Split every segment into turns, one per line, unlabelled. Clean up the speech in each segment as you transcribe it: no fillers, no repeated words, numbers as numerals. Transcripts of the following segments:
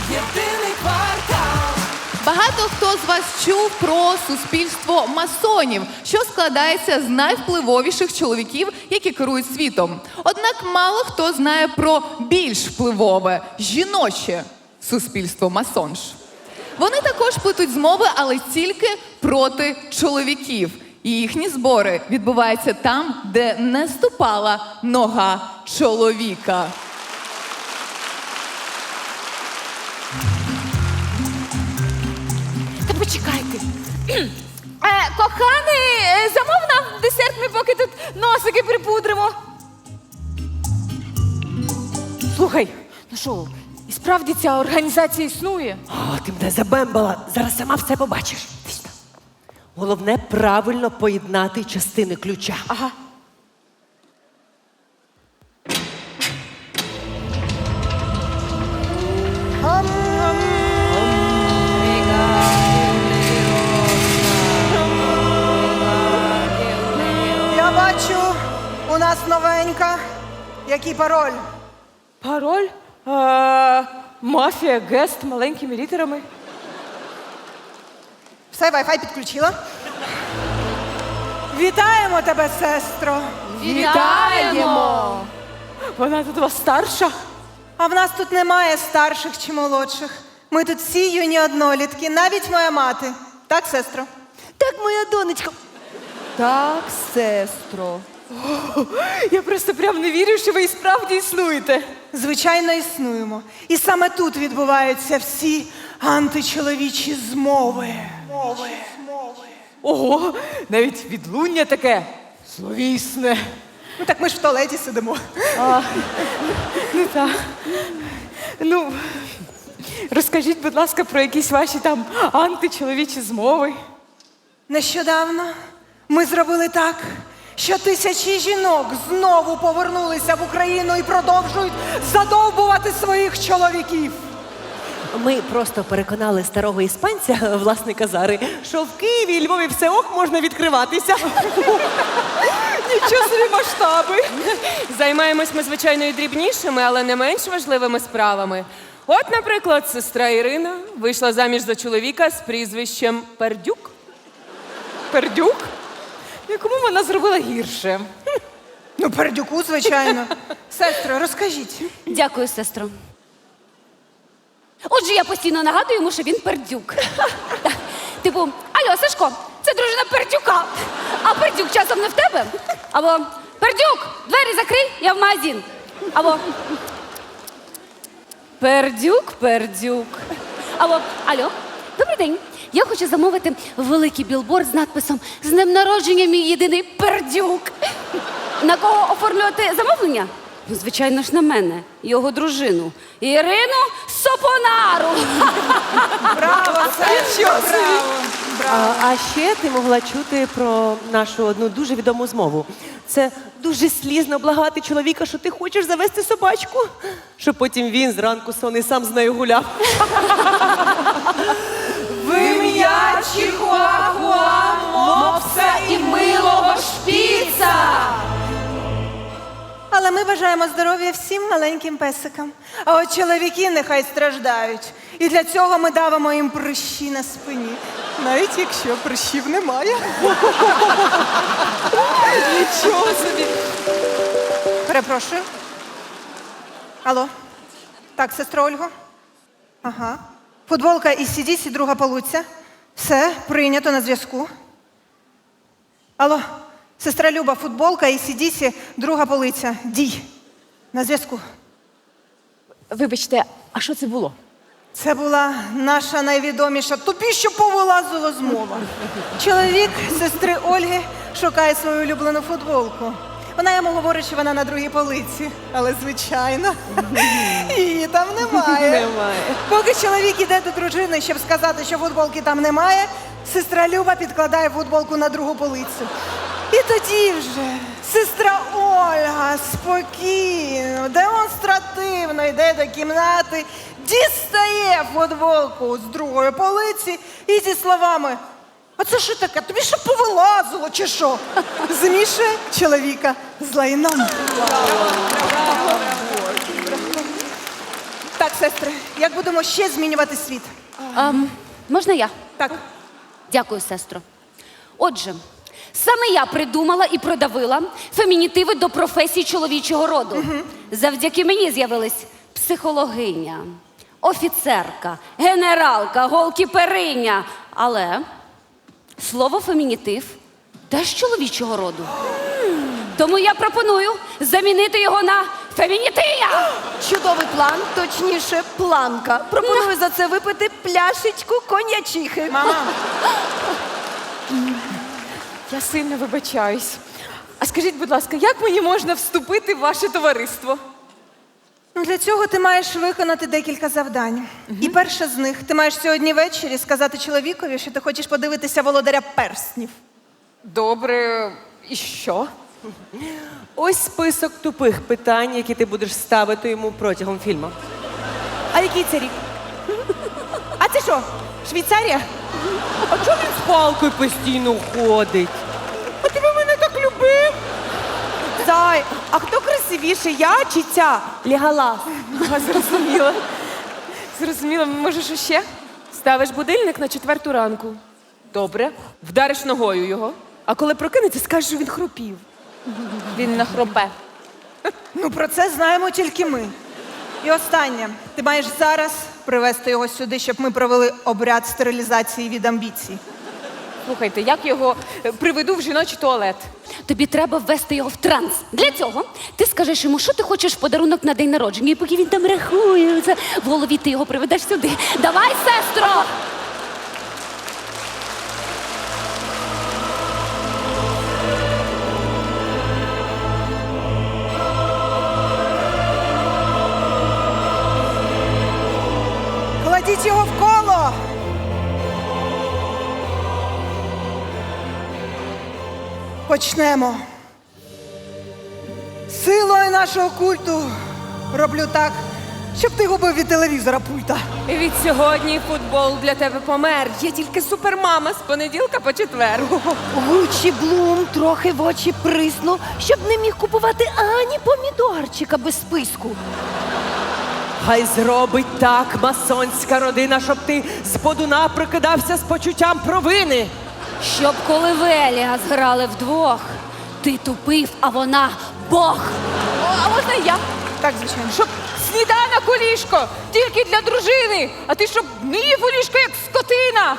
Єдиний квартал.
Багато хто з вас чув про суспільство масонів, що складається з найвпливовіших чоловіків, які керують світом. Однак мало хто знає про більш впливове жіноче суспільство масонж. Вони також плетуть змови, але тільки проти чоловіків. І їхні збори відбуваються там, де не ступала нога чоловіка.
Та почекайте. Коханий, замов нам десерт, ми поки тут носики припудримо. Слухай, ну що, і справді ця організація існує?
О, ти мене забембала. Зараз сама все побачиш. Головне правильно поєднати частини ключа.
Ага.
Я бачу, у нас новенька. Який пароль?
Пароль? Мафія, гест маленькими літерами.
Все, Wi-Fi підключила. Вітаємо тебе, сестро.
Вітаємо! Вона тут у вас старша?
А в нас тут немає старших чи молодших. Ми тут всі юні однолітки, навіть моя мати. Так, сестро?
Так, моя донечка. Так, сестро.
Я просто прям не вірю, що ви і справді існуєте.
Звичайно, існуємо. І саме тут відбуваються всі античоловічі змови.
Ого, навіть відлуння таке словісне.
Ну так ми ж в туалеті сидимо.
Ну так. Ну, розкажіть, будь ласка, про якісь ваші там античоловічі змови.
Нещодавно ми зробили так, що тисячі жінок знову повернулися в Україну і продовжують задовбувати своїх чоловіків.
Ми просто переконали старого іспанця, власника Зари, що в Києві і Львові все ок можна відкриватися.
Нічого собі масштаби.
Займаємось ми, звичайно, і дрібнішими, але не менш важливими справами. От, наприклад, сестра Ірина вийшла заміж за чоловіка з прізвищем Пердюк.
Пердюк? Якому вона зробила гірше?
Ну, Пердюку, звичайно. Сестро, розкажіть.
Дякую, сестро. Отже, я постійно нагадую йому, що він пердюк. Так. Типу, алло, Сашко, це дружина Пердюка. А Пердюк часом не в тебе? Або Пердюк, двері закрий, я в магазин. Або Пердюк. Або алло, добрий день. Я хочу замовити великий білборд з надписом «З днем народження, мій єдиний Пердюк». На кого оформлювати замовлення? Ну, звичайно ж, на мене, його дружину. Ірину Сопонару.
Браво, сестро, браво.
А ще ти могла чути про нашу одну дуже відому змову. Це дуже слізно благати чоловіка, що ти хочеш завести собачку, щоб потім він зранку сонний сам з нею гуляв.
В ім'я Чихуахуа, мопса і милого шпіца.
Але ми бажаємо здоров'я всім маленьким песикам. А от чоловіки нехай страждають. І для цього ми давимо їм прищі на спині. Навіть якщо прищів немає.
Нічого собі.
Перепрошую. Алло. Так, сестро Ольго? Ага. Футболка із CDC, друга полуця. Все, прийнято, на зв'язку. Алло. Сестра Люба, футболка із CDC, друга полиця. Дій. На зв'язку.
Вибачте, а що це було?
Це була наша найвідоміша тобі, що повилазила змова. Чоловік сестри Ольги шукає свою улюблену футболку. Вона йому говорить, що вона на другій полиці. Але, звичайно, її там немає. Поки чоловік іде до дружини, щоб сказати, що футболки там немає, сестра Люба підкладає футболку на другу полицю. І тоді вже сестра Ольга спокійно, демонстративно йде до кімнати, дістає футболку з другої полиці і зі словами: «А це що таке? Тобі що повилазило, чи що?» Змішує чоловіка з лайном. Так, сестри, як будемо ще змінювати світ?
Можна я?
Так.
Дякую, сестро. Отже, саме я придумала і продавила фемінітиви до професій чоловічого роду. Завдяки мені з'явились психологиня, офіцерка, генералка, голкіпериня. Але слово фемінітив теж чоловічого роду. Тому я пропоную замінити його на фемінітия.
Чудовий план, точніше, планка. Пропоную за це випити пляшечку коньячихи.
Мама,
Я сильно вибачаюсь. А скажіть, будь ласка, як мені можна вступити в ваше товариство?
ну для цього ти маєш виконати декілька завдань. І перше з них, ти маєш сьогодні ввечері сказати чоловікові, що ти хочеш подивитися володаря перснів.
Добре, і що?
Ось список тупих питань, які ти будеш ставити йому протягом фільму. А який це рік? А це що? Швейцарія? А чого він з палкою постійно ходить? А ти мене так любив? Зай, а хто красивіший, я чи ця Леголас?
Зрозуміла. Зрозуміла, може, що ще?
Ставиш будильник на 4 ранку. Добре. Вдариш ногою його. А коли прокинеться, скажеш, що він хропів.
Він нахропе.
Ну, про це знаємо тільки ми. І останнє. Ти маєш зараз привезти його сюди, щоб ми провели обряд стерилізації від амбіцій.
Слухайте, як його приведу в жіночий туалет?
Тобі треба ввести його в транс. Для цього ти скажеш йому, що ти хочеш в подарунок на день народження. І поки він там рахує, це в голові ти його приведеш сюди. Давай, сестро!
Кладіть його в коло! Почнемо. Силою нашого культу роблю так, щоб ти губив від телевізора пульта.
Від сьогодні футбол для тебе помер. Є тільки супермама з понеділка по четвер.
Гучі Блум трохи в очі приснув, щоб не міг купувати ані помідорчика без списку.
Хай зробить так масонська родина, щоб ти з подуна прокидався з почуттям провини.
Щоб коли Веліас грали вдвох, ти тупив, а вона Бог.
А можна я?
Так, звичайно.
Щоб сніданок у ліжко тільки для дружини, а ти щоб не їв у ліжко, як скотина.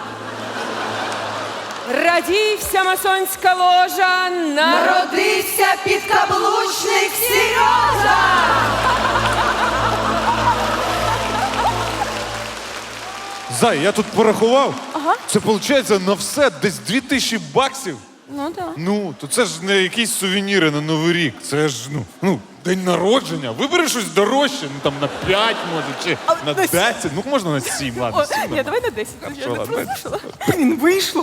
Радій, вся масонська ложа,
Народився підкаблучник Сережа!
Зай, я тут порахував. Це виходить на все десь 2000 баксів.
Ну так.
Ну, то це ж не якісь сувеніри на Новий рік. Це ж, день народження. Вибери щось дорожче, там на 5 може, чи на 10. Ну, можна на 7, ладно. 7,
Ні, давай на 10. Я не
ладно.
прослушала.
Блін, вийшло.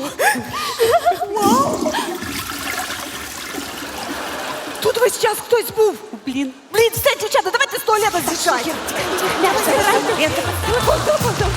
Тут весь час хтось був. Блін, все, дівчата, давайте з туалета з'їжджай.